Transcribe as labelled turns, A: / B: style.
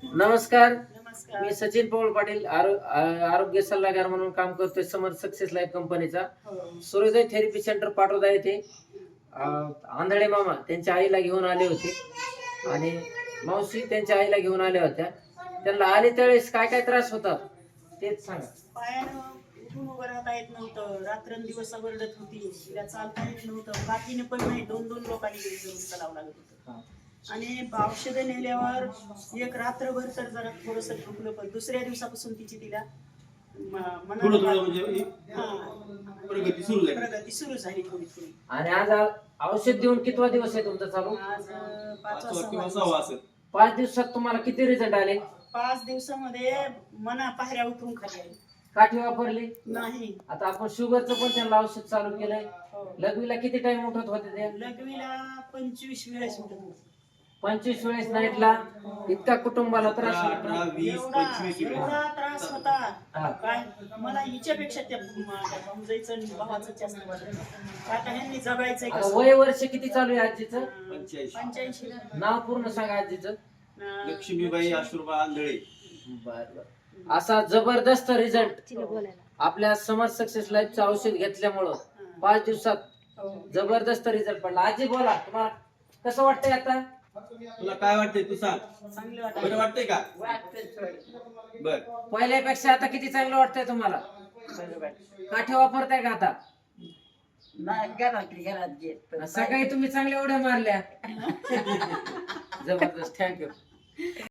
A: नमस्कार.
B: नमस्कार.
A: मी सचिन पवार पाटील आरोग्य सल्लागार म्हणून काम करतोय समर सक्सेस लाईफ कंपनीचा.
B: हो.
A: सूर्योदय थेरपी सेंटर पाटोदा येथे आंधळे मामा त्यांच्या आईला घेऊन आले होते आणि मावशी त्यांच्या आईला घेऊन आल्या होत्या. त्यांना आले त्यावेळेस काय काय त्रास होता तेच सांगा.
B: पायानं उठून उभं राहता येत नव्हतं, रात्रंदिवस रडत होती, तिला चालता येत नव्हतं, बाकीने पण नाही, दोन दोन लोकांनी घरी जाऊन चालावं लागत होतं. आणि औषधं नेल्यावर एक रात्रभर तर जरा थोडंसं दुखलं, पण दुसऱ्या दिवसापासून तिला
C: थोडं थोडं म्हणजे
B: हा
C: प्रगती सुरू झाली.
B: प्रगती सुरू झाली थोडी थोडी.
A: आणि आज औषध देऊन कितवा दिवस आहे तुमचा चालू?
B: आज
C: पाचवा किंवा
B: 5
C: 6वा असेल.
A: 5 दिवसात तुम्हाला किती रिझल्ट आले?
B: 5 दिवसामध्ये मना पायऱ्या उतरून खाली आली.
A: काठी वापरली
B: नाही.
A: आता आपण शुगरचं पण त्यांना औषध चालू केलंय.
B: हो.
A: लघवीला किती टाइम उठत होते ते?
B: लघवीला 25 वेळेस उठत होती.
A: 25 वेळेस नाईटला. इतका कुटुंबाला त्रास
C: 18, 20, 25 वेळेस.
B: एवढा त्रास होता
A: हा.
B: काय मला हिच्यापेक्षा त्या माझ्या भाऊजाईचं आणि भावाचं जास्त वाटलं. आता ह्यांनी जगायचंय
A: आता
B: कसं?
A: वय वर्ष किती चालू आहे आजीचं?
C: 85.
B: 85.
A: नाव पूर्ण सांगा आजीचं.
C: लक्ष्मीबाई आशुर्बा आंधळे.
A: बर. असा जबरदस्त रिझल्ट आपल्या समर सक्सेस लाईफचं औषध घेतल्यामुळं 5 दिवसात
B: हो.
A: जबरदस्त रिझल्ट पडला. आजी बोला, तुम्हाला कसं वाटतंय आता?
C: तुला काय वाटतंय तू सांग.
B: चांगलं
C: बरं वाटतंय का? बर.
A: पहिल्यापेक्षा आता किती चांगलं वाटतंय तुम्हाला? काठी वापरताय का आता?
B: घरात
A: सकाळी तुम्ही चांगल्या उड्या मारल्या. जबरदस्त, थँक्यू.